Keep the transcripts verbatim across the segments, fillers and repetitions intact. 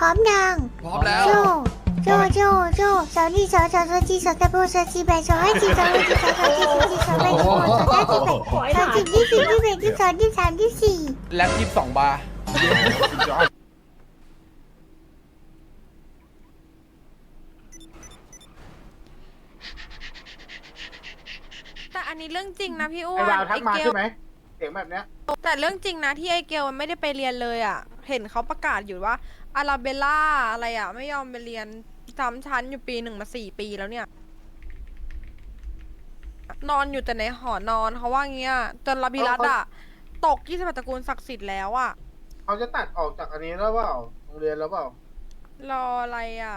ร้อมยังพร้อมแล้วโจโจโจโจสาวนี่สาวสาวสาวจีสาวตะโบสาวจีแบสาวให้จีสาวให้จีสาวสาวจีสาวจีสาวแบสาวสาวจีแบสาวจีที่สี่ที่แบที่สองที่สามที่สี่แล็บยี่สิบสองบาร์แต่อันนี้เรื่องจริงนะพี่อ้วไอ้นวาวทักมาเกลใช่ไหมเสียงแบบเนี้ยแต่เรื่องจริงนะที่ไอเกลมันไม่ได้ไปเรียนเลยอ่ะ เห็นเขาประกาศอยู่ว่าอาราเบลล่าอะไรอ่ะ ไม่ยอมไปเรียนซ้ำชั้นอยู่ปีหนึ่งมาสี่ปีแล้วเนี่ย นอนอยู่แต่ในหอนอนเขาว่างี้อ่ะจนลาบิรัตอ่ะ ตกยี่สิบตระกูลศักดิ์สิทธิ์แล้วอ่ะเขาจะตัดออกจากอันนี้แล้วเปล่าโรงเรียนแล้วเปล่ารออะไรอ่ะ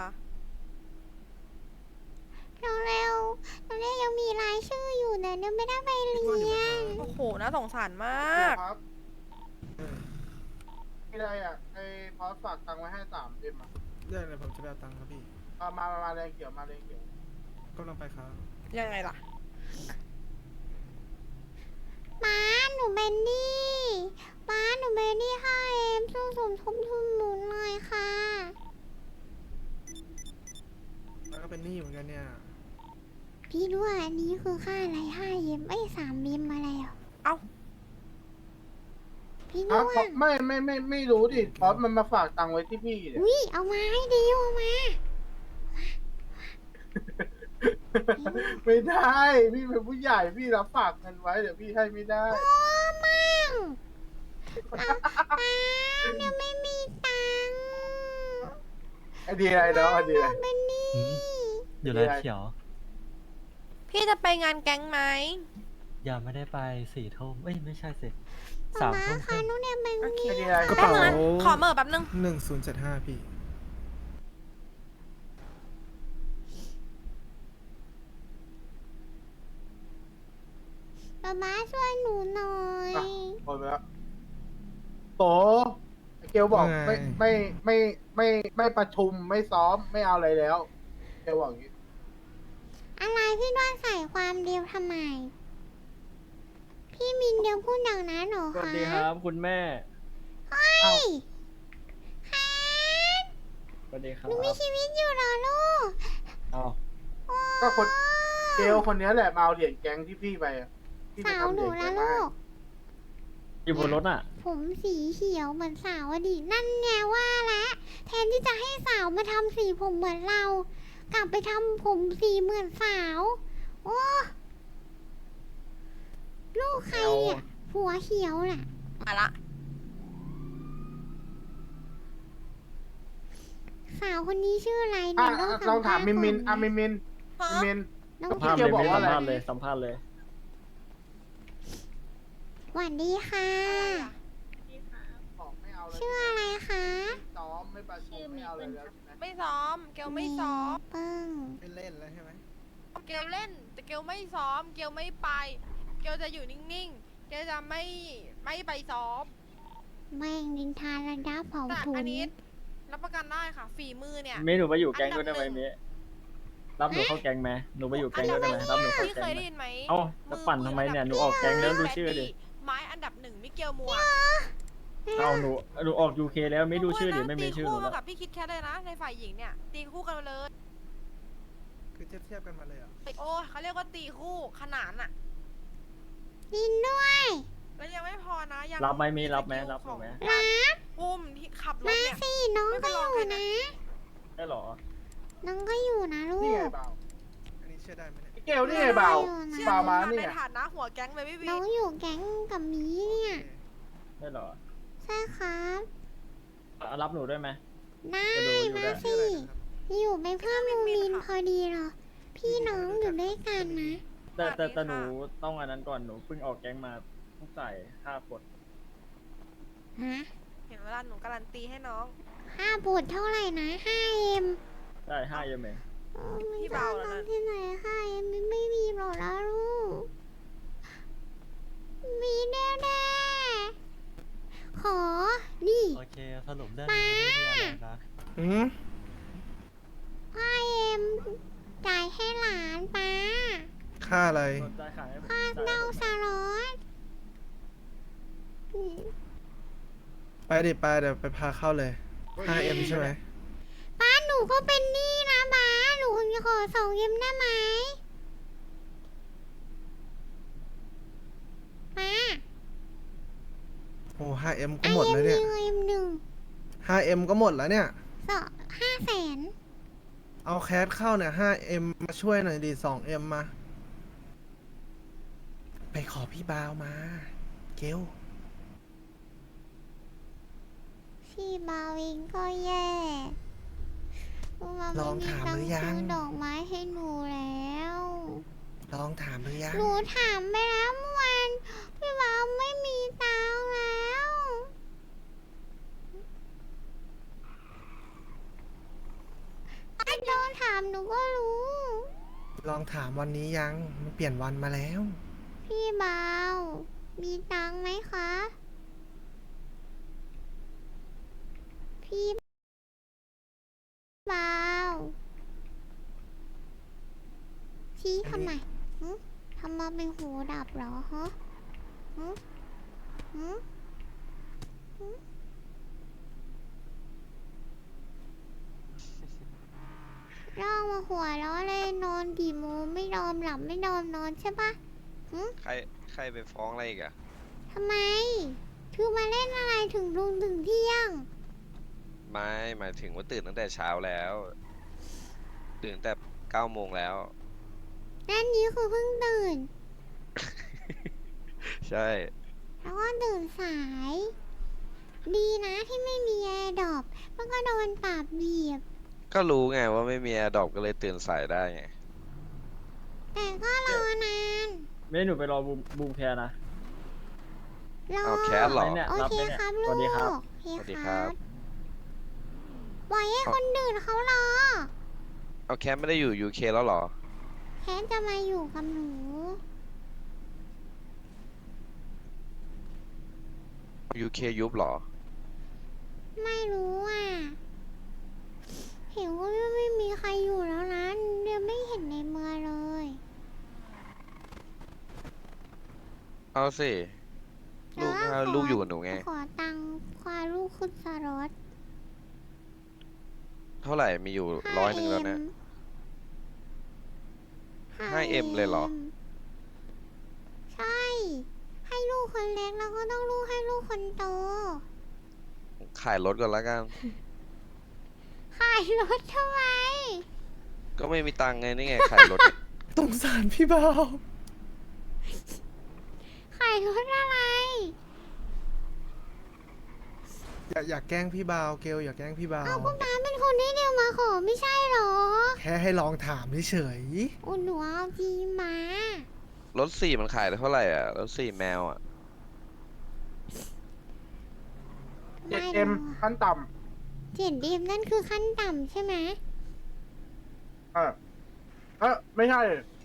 เร็วเร็วเร็วยังมีรายชื่ออยู่นะเนี่ยไม่ได้ไปเรียนโอ้โห น่าสงสารมากครับไม่ได้อ่ะไอ้พอสฝากตังค์ไว้ให้สามเอ็มอ่ะได้เลยผมจะไปเอาตังค์ครับพี่เอามามามาแรงเขียวมาแรงเขียวกำลังไปครับยังไงล่ะม้าหนูเป็นหนี่ม้าหนูเป็นหนี่ค่ะเอ็มช่วยสมทบทุนหนูหน่อยค่ะแล้วก็เป็นหนี้เหมือนกันเนี่ยพี่ด้วยอันนี้คือค่าอะไรห้าเอ็มไอ้สามเอ็มอะไรอ่ะเอ้าพี่อ่ะด้วยเพราะไม่ไม่ไม่ไม่รู้ดิพอสมันมาฝากตังค์ไว้ที่พี่เนี่ยอุ้ยเอามาให้ดิวเอามาไม่ได้พี่เป็นผู้ใหญ่พี่รับฝากเงินไว้เดี๋ยวพี่ให้ไม่ได้โอ้มั่งเอาป้าเนี่ยไม่มีตังค์ไอเดียอะไรเนาะไอเดียอะไรเป็นหนี้อยู่ร้านเขียวพี่จะไปงานแก๊งไหมยังไม่ได้ไปสี่ทุ่มเอ้ยไม่ใช่สิป๊าสามป๊าทุ่มคค่ะรึ่งหนูเนี่ยเป็นหโอเคนี้ไอเดียอะไรกระแป๊บเป๋านึงนะขอเมอร์แป๊บนึงหนึ่งศูนย์เจ็ดห้าพี่ป๊าป๊าช่วยหนูหน่อยอ่ะโอนไปแล้วโตไอเกลบอกไม่ไม่ไม่ไม่ไม่ประชุมไม่ซ้อมไม่เอาอะไรแล้วเกลบอกอย่างนี้อะไรพี่ด้วนใส่ความเดียวทำไม พี่มินเดียวพูดอย่างนั้นเหรอสวัสคะดีครับคุณแม่เฮ้ยค่ะสวัสดีครัหบนูมีชีวิตอยู่เหรอลูกอ้าวก็คนเกลคนนี้แหละมาเอาเหรียญแก๊งที่พี่ไปอะที่ไปสาวทำหเหรีนูยญแก๊ละงมาลูให้กอยู่บนรถอ่ะผมสีเขียวเหมือนสาวอดีตนั่นไงว่าแล้วแทนที่จะให้สาวมาทำสีผมเหมือนเรา กลับไปทำผมสีเหมือนสาว โอ้ลูกใครเนี่ยหัวเขียวน่ะมาละสาวคนนี้ชื่ออะไรอ่ะเนี่ยอ่ะลองถามมินมินอ่ะมินมินฮะมินมินน้องสัมเขีภายวษณ์เลยเกี่ยวบอกไม่ว่าสัอะไรมภาษณ์เลยสัมภาษณ์เลยสวัสดีค่ะบอกไม่เอาเลยชื่ออะไรคะไม่ซ้อมไม่ประชุมไม่เอาอะไรแล้วใช่ไหมไม่ซ้อม เกลไม่ซ้อมเปิ้งไม่เล่นแล้วใช่ไหมเกลเล่น แต่เกลไม่ซ้อม เกลไม่ไป เกลจะอยู่นิ่งๆ เกลจะไม่ไม่ไปซ้อมแม่งดินทาระดับเผาแต่ถุอันนนี้รับประกันได้ค่ะ ฝีมือเนี่ยเมย์หนูไปอยู่แก๊งด้วยได้ไหมอันดับหนึ่งเมย์รับหนูเข้าแก๊งไหมหนูไปอยู่แก๊งด้วยได้ไหมรับหนูเข้าพี่แก๊เคงยไหมได้ยินไหมเอ้าจะปั่นทำไมเนี่ยหนูออกแก๊งแล้วดูชื่อดิไม้อันดับหนึ่งมิเกลมัวเอ้าหนูหนูออกยูเคแล้วไม่ดูชื่อดิไม่มีชื่อหตีนูคู่แล้วมากับพี่คิดแค่เลยนะ ในฝ่ายหญิงเนี่ย ตีคู่กันเลยคือเทียบเทียบกันมาเลยเหรอ่ะโอ้ยเขาเรียกว่าตีคู่ขนานอะดินด้วยแล้วยังไม่พอนะยังรับไหมเมย์รับไหมรับหนูไหมรับอุ้มที่ขับรถมาเนี่ยสิน้องก็อยู่นะได้เหรอน้องก็อยู่นะลูนี่กไงเบาอันนี้เชื่อได้ไหมเนี่ยไอ้เกลนี่ไงเบาเชื่อเบาหนูมานะเนี่ในยฐานะหัวแก๊งเลยพี่วีน้องอยู่แก๊งกับหมีเนี่ยได้เหรอใช่ครับอ่ะรับหนูด้วยไหมได้จะดูอยู่มาได้สิ อยู่เป็นเพื่อนมูมินพอดีเหรอ พี่น้องอยู่ด้วยกันนะแต่แต่แต่หนูต้องอันนั้นก่อนหนูเพิ่งออกแก๊งมาต้องจ่ายค่ากดฮะเห็นเวลาหนูการันตีให้น้องค่าบูดเท่าไหร่นะห้าเอ็มได้ห้าเยอะไหมพี่เบาแล้วนะที่ไหนห้าเอ็มไม่มีหรอกนะลูก มีแน่ๆขอ นี่โอเคสรุปเรื่องนี้ไม่มีอะไรนะอืมห้าเอ็มจ่ายให้หลานป้าค่าอะไรจ่ายขายให้ผมค่าจ่ายเน่าให้ผมสลอดไปดิไปเดี๋ยวไปพาเข้าเลย ห้าเอ็มใช่ไหมในูก็เป็นหนี้นะบ้าหนูจะขอสองเอ็มได้ไหมมาโอ้ห้าเอ็มก็ไอหมดเอ็แล้วมหเนี่ยนึ่งเอ็มหนึ่งห้าเอ็มก็หมดแล้วเนี่ยสองห้าแสนเอาแคสเข้าเนี่ยห้าเอ็มมาช่วยหน่อยดิสองเอ็มมา ไปขอพี่บาวมา เกลพี่บาวิงก็แย่มันลองไม่มีถามตัหงรืค์อยัซื้งอดอกไม้ให้หนูแล้วลองถามหรือยังหนูถามไปแล้วเมื่อวานพี่บาวไม่มีตังค์แล้วไอ้โดนถามหนูก็รู้ลองถามวันนี้ยัง มันเปลี่ยนวันมาแล้วพี่บาวมีตังค์ไหมคะ พี่บาวชี้ทำไมหึทำมาเป็นหูดับเหรอฮะหึหึหึร้องมาหัวเราะเลยนอนกี่โมงไม่นอนหลับไม่นอนนอนใช่ปะหึใครใครไปฟ้องอะไรอีกอะทำไมคือมาเล่นอะไรถึงลุงถึงเที่ยงไม่หมายถึงว่าตื่นตั้งแต่เช้าแล้ว ตื่นแต่เก้าโมงแล้วนั่นนี้คือเพิ่งตื่นใช่แล้วก็ตื่นสาย ดีนะที่ไม่มีแอร์ดรอปมันก็โดนปราบเบียบก็รู้ไงว่าไม่มีแอร์ดรอปก็เลยตื่นสายได้ไงแต่ก็รอนานไม่หนูไปรอบูมบูมแคร์นะรอเอาแคสเหรอไปเนี่ยโอรับเคไปเนี่ยครับสลูวักสดีครับโอเคสวัสดีคครัรับบ ปล่อยให้คนอื่นเขารอเอาแคมไม่ได้อยู่ยูเคแล้วเหรอแค่จะมาอยู่กับหนูยูเคยุบเหรอไม่รู้อ่ะ เห็นว่าไม่มีใครอยู่แล้วนะเดี๋ยวไม่เห็นในเมืองเลยเอาสิลูกแต่ว่าถ้าขลูกอยู่กับหนูไงขอตังค์ควาลูกขึ้นสรอตเท่าไหร่มีอยู่ร้อยหนึ่งแล้วนะ ห้าเอ็มเลยเหรอใช่ ให้ลูกคนเล็กแล้วก็ต้องลูกให้ลูกคนโตขายรถก่อนแล้วกันขายรถทำไมก็ไม่มีตังค์ไงนี่ไงขายรถสงสารพี่บาวขายรถอะไรอย่าอย่าแกล้งพี่บาวเกลอย่าแกล้งพี่บาวเอาก็ป้าเป็นคนที่เดียวมาขอไม่ใช่เหรอแค่ให้ลองถามเฉยอุยหนูเอาจีมารถสี่มันขายได้เท่าไหร่อ่ะ รถสี่แมวอ่ะเจ็ดเอ็มขั้นต่เจ็ดเอ็มนั่นคือขั้นต่ำใช่ไหมำเออเออไม่ใช่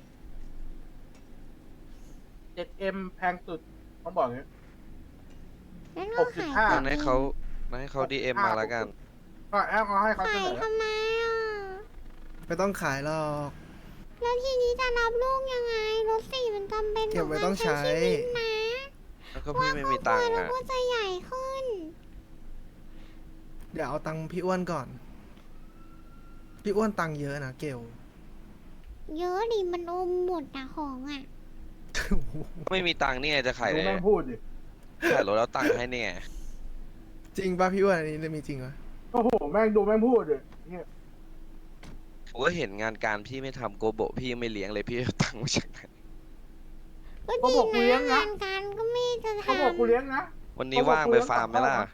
เจ็ดเอ็มแพงสุดต้องบอกอย่างนี้นั่นก็ขายหกสิบห้างั้นให้เขางั้นให้เขาดีเอ็มมาแล้วกันก็แอบเอาให้เขาเสขายนอทำไมอ่ะๆไม่ต้องขายหรอกแล้วทีนี้จะรับลูกยังไง รถสี่มันจำเป็นเก็บไว้ต้องใช้ชีวิตนะแล้วก็พี่ไม่มีตังค์แล้วอ่ะก็จะใหญ่ขึ้นเดี๋ยวเอาตังค์พี่อ้วนก่อน พี่อ้วนตังค์เยอะนะเกลเยอะดิมันอมหมดอะของอะไม่มีตังค์นี่ไงจะขายดูเลยแม่งพูดดิขายรถแล้วตังค์ให้นี่ไงจริงป่ะพี่อ้วนอันนี้มีจริงวะโอ้โหแม่งดูแม่งพูดดิเนี่ยผมก็เห็นงานการพี่ไม่ทำโกโบะพี่ยังไม่เลี้ยงเลยพี่เอาตังค์มาจากไหนก็ดีนะงานการก็ไม่จะทำเขาบอกกูเลี้ยงนะวันนี้ว่างไปฟาร์มไหมล่ะ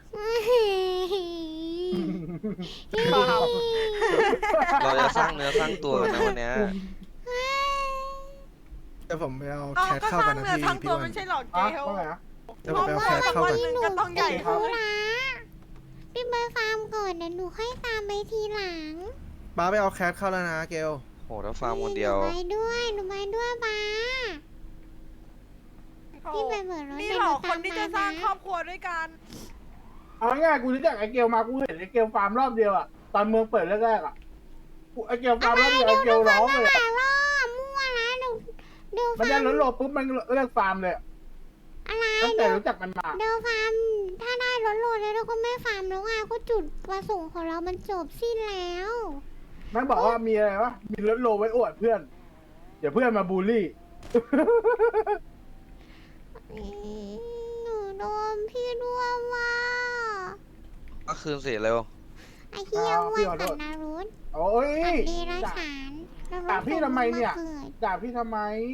เราจะสร้างเนื้อสร้างตัวกันนะวันเนี้ยเดี๋ยวผมไปเอาเอาแคสก็เข้าสกัร้าน งนะเนื้อพี่สร้างพี่ตัวอ้วนไม่ใช่หรอกเกอ่ะลว่าไงนะเดี๋ยวผมไปเอาแคสเข้ากันหนึ่งก็ต้องใหญ่ธุระพี่ไปฟาร์มก่อนเดี๋ยวหนูค่อยตามไปทีหลังป้าไปเอาแคสเข้าแล้วนะเกลโหถ้าฟาร์มคนเดียวหนูไปด้วยหนูไปด้วยป้า พี่ไปเบิกรถนี่หรอเดี๋ยวหนูคนที่จะสร้างตามมานะครอบครัวด้วยกันเอาง่ายๆกูรู้จักไอเกลมากูเห็นไอเกลฟาร์มรอบเดียวอะตอนเมืองเปิดแรกๆอะกูไอเกลฟาร์มรอบเดียวไอเกลร้องเลยหอะลายรอบมั่วนะเดี๋ยวเดี๋ยวมันฟาได้ร์มรถโหลดปุ๊บมันเลิกฟาร์มเลยอะอะไรตั้งแต่เดี๋ยวรู้จักมันมาเดี๋ยวฟาร์มถ้าได้รถโหลดแล้วเราก็ไม่ฟาร์มแล้วไงก็จุดประสงค์ของเรามันจบสิ้นแล้วมันบอกว่ามีอะไรวะ มีรถโลไว้อวดเพื่อน เดี๋ยวเพื่อนมาบูลลี่อืมหนูโดนพี่ร่วมว่าก็คืนสิเร็วไอ้เหี้ยอ้าวพี่อ้วนขอโทกับษนารุตโอ้ยกับเดรัจด่าฉานแล้วด่าพี่ทำไมเนี่ยกิดด่าพี่ทำไม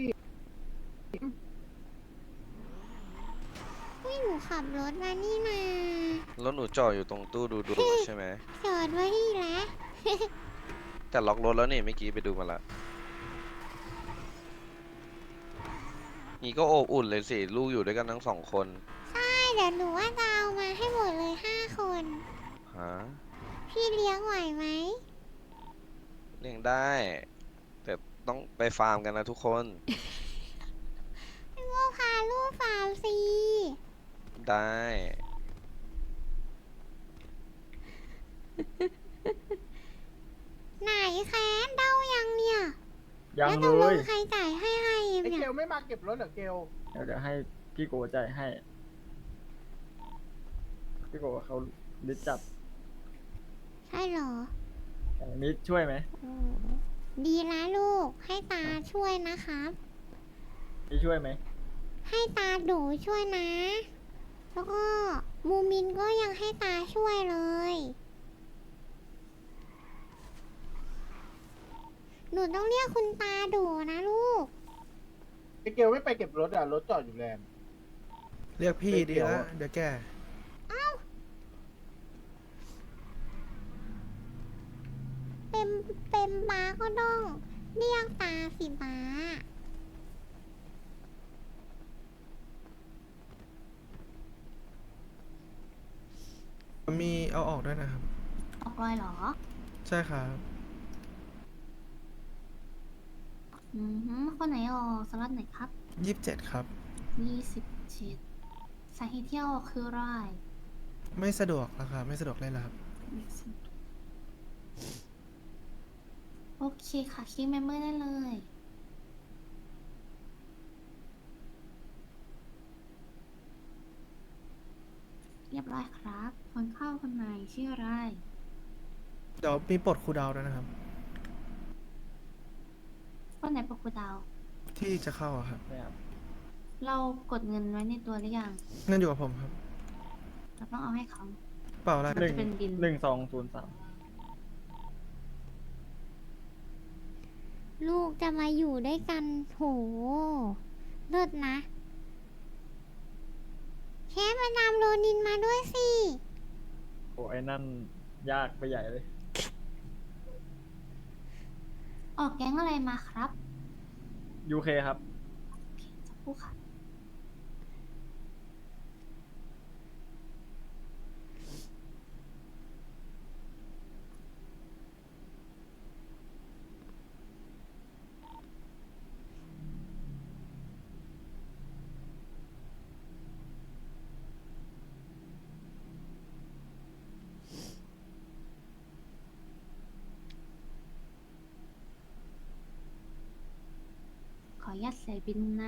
ไม่หนูขับรถมานี่นาแล้วหนูจอดอยู่ตรงตู้ดูดูใช่ไหมจอดไว้ที่แล้วแต่ล็อกรถแล้วนี่เมื่อกี้ไปดูมาละนี่ก็โอบอุ่นเลยสิ ลูกอยู่ด้วยกันทั้งสองคนใช่เดี๋ยวหนูว่าจะเอามาให้หมดเลยห้าคนฮะพี่เลี้ยงไหวไหมเลี้ยงได้ แต่ต้องไปฟาร์มกันนะทุกคนพี่ว่าพาลูกฟาร์มสิได้ไหนแค้นเดายังเนี่ยยังแล้วตเลกลยงใครจ่ายให้ให้ไอ้เนี่เกยลไม่มาเก็บรถเหรอเกลเดี๋ยวจะให้พี่โกจ่ายให้ พี่โกเขาลิสต์จับใช่เหรออย่างนี้ช่วยไหมโอ้ดีนะลูกให้ตาช่วยนะครับนี่ช่วยไหมให้ตาดูช่วยนะ แล้วก็มูมินก็ยังให้ตาช่วยเลย หนูต้องเรียกคุณตาดูนะลูกไอ้เกลไม่ไปเก็บรถอ่ะ รถจอดอยู่แลนด์เรียกพี่ไม่ดีเกี่ยวแล้วอะเดี๋ยวแกเป็นเป็นบ้าก็ต้องเรียกตาสิบ้ามีเอาออกด้วยนะครับออกรอยเหรอใช่ครับอืมฮึคนไหนออกสล็อตไหนครับยี่สิบเจ็ดครับยี่สิบเจ็ดสาเหตุที่เอาออกคืออะไรไม่สะดวกแล้วครับ ไม่สะดวกเลยแล้วครับโอเคค่ะคลิกเมมเบอร์ได้เลย เรียบร้อยครับ คนเข้าคนไหนชื่ออะไรเดี๋ยวมีปลดครูดาวด้วยนะครับคนไหนปกครูดาวที่จะเข้าอะครับนะครับเรากดเงินไว้ในตัวหรือยังเงินอยู่กับผมครับเราต้องเอาให้เขาเปล่าอะไรหนึ่งจะเป็นบินหนึ่งสองศูนย์สามลูกจะมาอยู่ด้วยกันโหเลิศนะแค่มานำโรนินมาด้วยสิโอ้ไอ้นั่นยากไปใหญ่เลยออกแก๊งอะไรมาครับยูเคครับโอเคสักครู่ค่ะ ขออนุญาตใส่บินนะ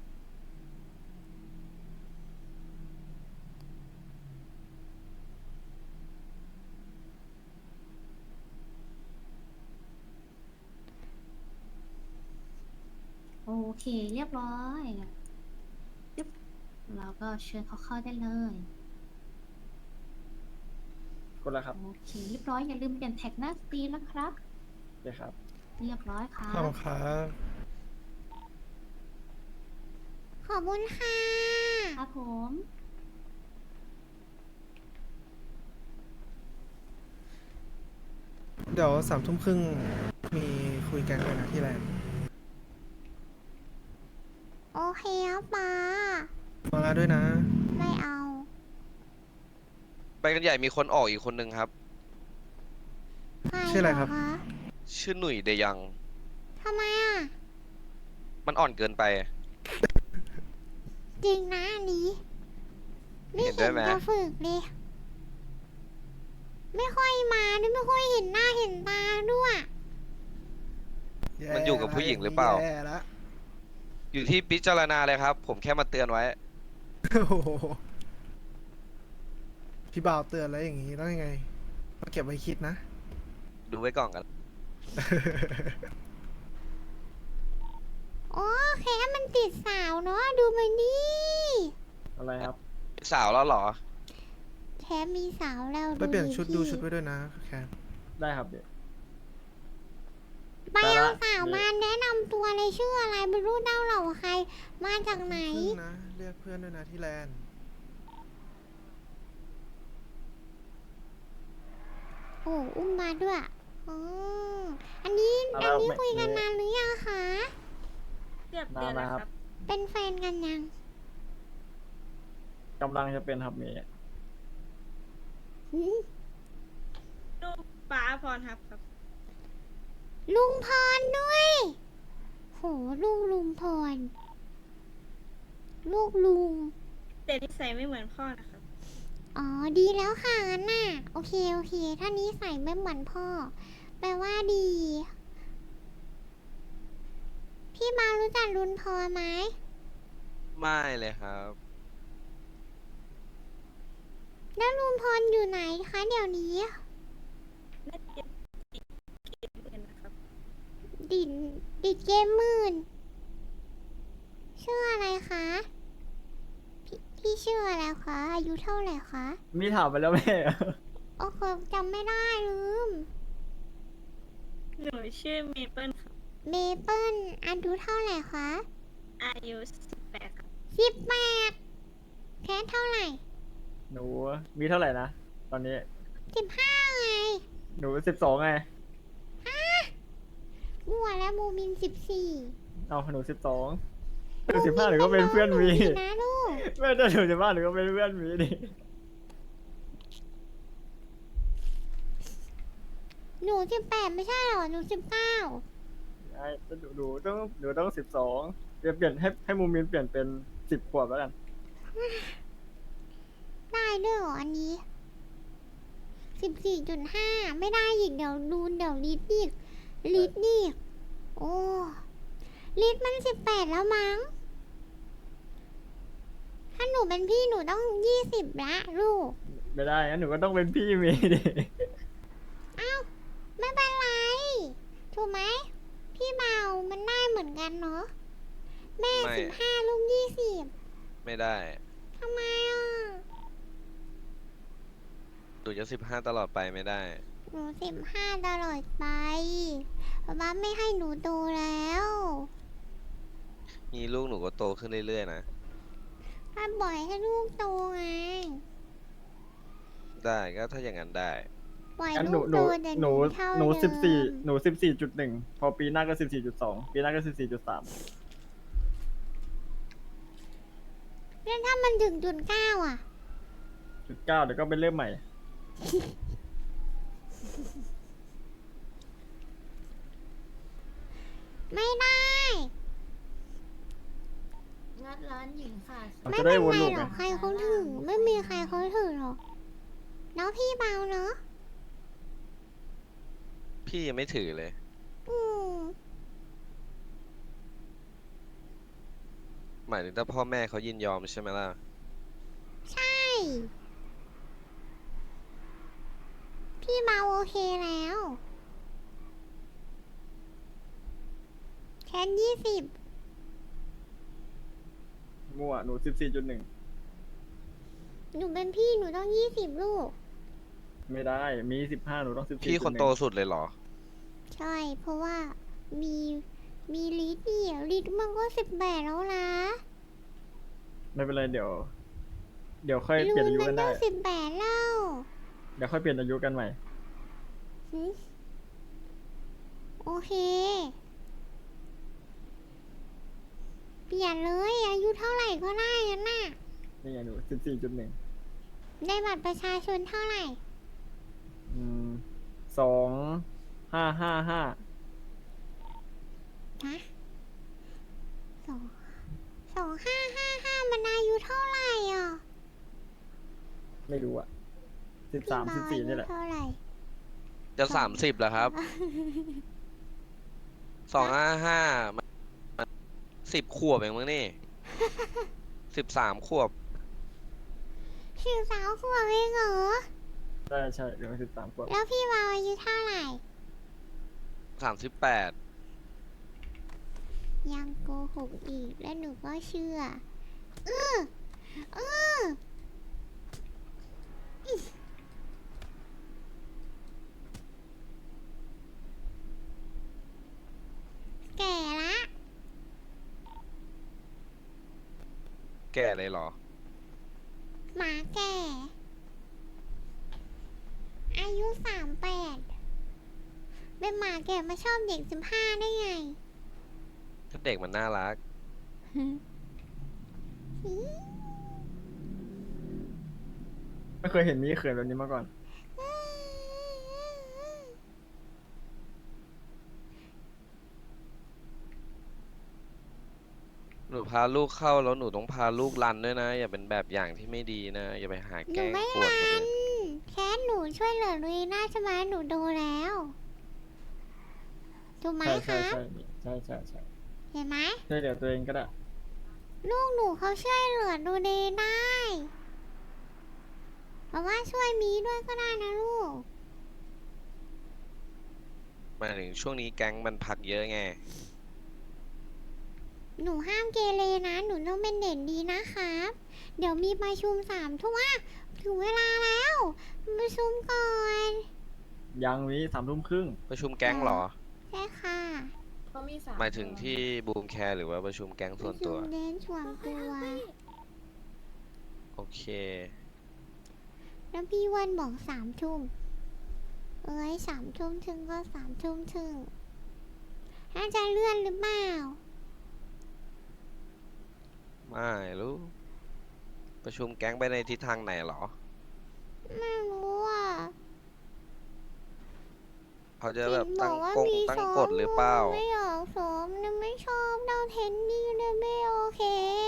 โอเค เรียบร้อยยึบเราก็เชิญเขาเข้าได้เลยกดแล้วครับโอเค เรียบร้อย อย่าลืมเปลี่ยนแท็กหน้าสตรีมนะครับโอเคครับเรียบร้อยครัขอบบ คุณครับขอบคุณค่ะครับผมเดี๋ยวสามทุ่มครึ่งมีคุยกันด้วยนะที่แลนด์โอเคครับป้ามาแล้วด้วยนะไม่เอาไปกันใหญ่มีคนออกอีกคนนึงครับใครชื่ออะไรครับเหคะชื่อหนุ่ยเดยังทำไมอ่ะมันอ่อนเกินไปจริงนะอันนี้ ไม่เห็นด้เห็วยนไหมจะฝึกเลย ไม่ค่อยมาด้วยไม่ค่อยเห็นหน้าเห็นตาด้วยมันอยู่กับผู้หญิงหรือเปล่าแย่ละอยู่ที่พิจารณาเลยครับ ผมแค่มาเตือนไว้โอ้โหพี่บ่าวเตือนแล้วอย่างงี้ต้องยังไงมาเก็บไว้คิดนะดูไว้ก่อนกันโอ้แค่มันติดสาวเนาะดูมันนี่อะไรครับสาวแล้วเหรอแค่มีสาวแล้วไปเปลี่ยนชุดดูพี่ชุดไว้ด้วยนะแคนได้ครับเดี๋ยวไปเอาสาวมาแนะนำตัวเลยชื่ออะไรไม่รู้เด้าเหล่าใคร มาจากไหนพึ่งนะเรียกเพื่อนด้วยนะที่แลนด์โอ้อุ้มมาด้วยอ๋ออันนี้เอาอัแล้นวนี้ไม่คุยกันไม่นานหรือยังคะเกือบนาเดือน นนะแล้วคครัรับ บเป็นแฟนกันยังกำลังจะเป็นครับเมย์หืมลูกป้าพรครับครับลุงพรด้วย โหลูกลุงพร ลูกลุงแต่นิสัยไม่เหมือนพ่อนะครับอ๋อ ดีแล้วค่ะงั้นน่ะ โอเค โอเค ถ้านี้ใส่ไม่เหมือนพ่อ แปลว่าดี พี่มารู้จักลุนพรไหมไม่เลยครับแล้วลุงพรอยู่ไหนคะเดี๋ยวนี้น่าจะติดเกมเงินนะครับดิดดิดเกมหมื่นชื่ออะไรคะ พี่พี่ชื่ออะไรคะ อายุเท่าไหร่คะมีถามไปแล้วแม่โอ้โหจำไม่ได้ลืมหนูชื่อเมเปิลครับเมเปิลอายุเท่าไหร่คะอายุสิบแปดครับสิบแปดแค่เท่าไหร่หนูมีเท่าไหร่นะ ตอนนี้สิบห้าไงหนูสิบสองไงมั่วแล้วโมมินสิบสี่เอาหนูสิบสองหนูสิบห้าหนูก็เป็นเพื่อนมีนะลูกแม่ถ้าหนูสิบห้าหนูก็เป็นเพื่อนมีดิหนูสิบแปดไม่ใช่เหรอ หนูสิบเก้าไอ้หนูหนูต้องหนูต้องสิบสองเปลี่ยนเปลี่ยนให้ให้มูมินเปลี่ยนเป็นสิบขวบแล้วกันได้ด้วยเหรออันนี้สิบสี่จุดห้าไม่ได้อีกเดี๋ยวดูเดี๋ยวลิดอีกลิดอีกโอ้ลิดมันสิบแปดแล้วมั้ง ถ้าหนูเป็นพี่หนูต้องยี่สิบละลูกไม่ได้งั้นหนูก็ต้องเป็นพี่มีดิอ้าวไม่เป็นไร ถูกไหม พี่เบามันได้เหมือนกันเนาะแม่ไม่สิบห้าลูกยี่สิบไม่ได้ทำไมอ่ะหนูจะสิบห้าตลอดไปไม่ได้หนูสิบห้าตลอดไปป๊าป๊าไม่ให้หนูโตแล้วมีลูกหนูก็โตขึ้นเรื่อยๆนะถ้าบ่อยให้ลูกโตไงได้ก็ถ้าอย่างนั้นได้ปล่อยงั้นหลูนูกหโตนูแต่หนูเท่าหนูเดิมสิบสี่หนูสิบสี่จุดหนึ่งพอปีหน้าก็สิบสี่จุดสองปีหน้าก็สิบสี่จุดสามแล้วถ้ามันถึงจุดเก้าอ่ะจุดเก้าเดี๋ยวก็เป็นเริ่มใหม่ไม่ได้งัดร้านหญิงค่ะเราไม่จะเป็ได้นวนไรลูกหรไงอกใครเขาถึง ไม่มีใครเขาถึงหรอกแล้วพี่เบาเนาะพี่ยังไม่ถือเลยอืมหมายถึงถ้าพ่อแม่เขายินยอมใช่ไหมล่ะใช่ พี่เบาโอเคแล้ว แค่ยี่สิบมั่วหนูสิบสี่จุดหนึ่งหนูเป็นพี่หนูต้องยี่สิบลูกไม่ได้มีสิบห้าหนูต้องสิบสี่พี่คนโตสุดเลยเหรอใช่ เพราะว่ามีมีลิตนี่ลิตมันก็สิบแปดแล้วนะไม่เป็นไรเดี๋ยว เดี๋ยวค่อยลูเปลี่ยนอายุมักันต้ได้องสิบแปดแล้วเดี๋ยวค่อยเปลี่ยนอายุกันใหม่หึโอเค เปลี่ยนเลยอายุเท่าไหร่ก็ได้กันน่ะนี่ไงหนูสิบสี่จุดหนึ่งในบัตรประชาชนเท่าไหร่อืมสองห้าห้าห้าฮะสองสองห้าห้าห้ามันอายุเท่าไหร่อ่ะไม่รู้อะสิบพี่สามบสิบอาสี่ยุนี่แหละเท่าไหร่จะสามสิบแล้วครับ สองห้าห้าสิบขวบเองมั้งนี่ สิบสามขวบสิบสามขวบเองเหรอใช่ใช่เดี๋ยวสิบสามขวบแล้วพี่วาวอายุเท่าไหร่สามสิบแปดยังโกหกอีกแล้วหนูก็เชื่อเออเอออิ๊ะแก่ละแก่เลยเหรอหมาแก่ อายุสามแปดเป็นหมาแก่มาชอบเด็กสิบห้าได้ไงถ้าเด็กมันน่ารักไม่เคยเห็นมีเขินแบบนี้มาก่อนหนูพาลูกเข้าแล้วหนูต้องพาลูกรันด้วยนะ อย่าเป็นแบบอย่างที่ไม่ดีนะ อย่าไปหาหแกนูล้งไม่กวนคนรัอื่นนแค่หนูช่วยเหลือลุยน่าใช่ไหมหนูดูแล้วถูกไหมใช่คใช่รับใช่ใช่ใช่ใช่เห็นไหมช่วยเหลือตัวเองก็ได้ลูกหนูเขาช่วยเหลือดูเดย์ได้เพราะว่าช่วยมีด้วยก็ได้นะลูกหมายถึงช่วงนี้แก๊งมันพักเยอะไงหนูห้ามเกเรนะ หนูต้องเป็นเด่นดีนะครับ เดี๋ยวมีประชุมสามทุ่มอ่ะถึงเวลาแล้วประชุมก่อนยังวิสามทุ่มครึ่งประชุมแก๊งเหรอใช่ค่ะเขามีสามหมายถึงที่บูมแคร์หรือว่าประชุมแก๊งปส่วระนชุตัวมเด่นส่วนตัวโอเคแล้วพี่วันบอกสามทุ่มเอ้ยสามทุ่มถึงก็สามทุ่มถึงน่าจะเลื่อนหรือเปล่าไม่รู้ ประชุมแก๊งไปในทิศทางไหนเหรอไม่รู้อ่ะเขาจะแบบเห็นบตั้อง กว่ากงมีตั้งซ้อมกฎหรือเปล่าไม่อยากซ้อมนะไม่ชอบเดาเทนนี่เลยไม่โอเค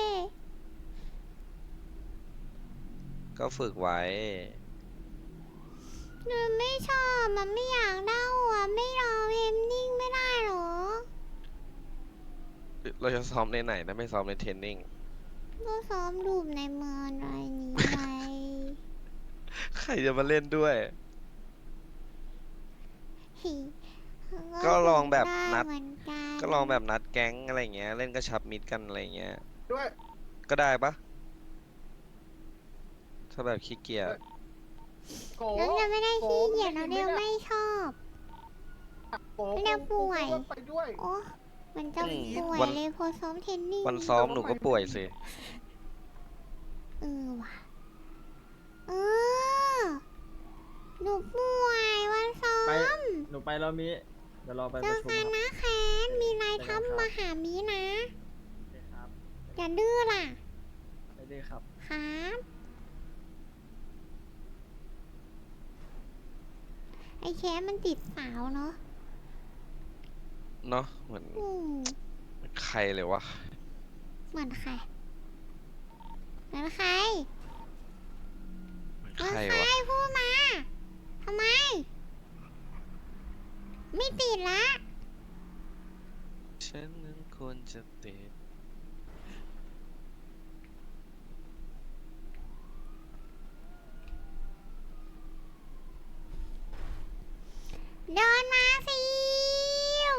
ก็ฝึกไว้หนูไม่ชอบมันไม่อยากเดาอ่ะไม่รอเทนนิ่งไม่ได้หรอเราจะซ้อมในไหนนะไม่ซ้อมในเทรนนิ่งก็ซ้อมรูปในเมืองอะไรนี้ไงใครจะมาเล่นด้วยฮิก็ลองแบบฝึกนัดเหมือนกันก็ลองแบบนัดแก๊งอะไรเงี้ย เล่นกระชับมิตรกันอะไรเงี้ยด้วยก็ได้ปะถ้าแบบขี้เกียจโกแล้วจะไม่ได้ขี้เกียจโกเราเดียวไม่ชอบโกไม่ได้ป่วยโกไปด้วยโอ้มันจะอืมป่วยวันเลยพอซ้อมเทนนิ่งวันซ้อมหนูก็ป่วยสิเออว่ะเออหนูป่วยวันซ้อไปมหนูไปแล้วมิเดี๋ยวรอไปเจประอชุมกันครับนะแคน มีนายทัพมาหามีนะโอเคครับอย่าดื้อล่ะไปดีครับครับ ไอ้แคนมันติดสาวเนาะเนาะเหมือนอืมใครเลยวะเหมือนใครเหมือนใครเหมือนเหมือนใครใครวะพูดมาทำไม ไม่ติดละฉันนั้นควรจะติดเดินมาสิว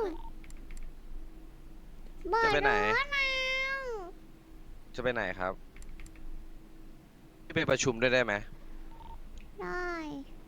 เบิร์จะไปไหนรถเอาจะไปไหนครับ พี่ไปประชุมด้วยได้ไหมได้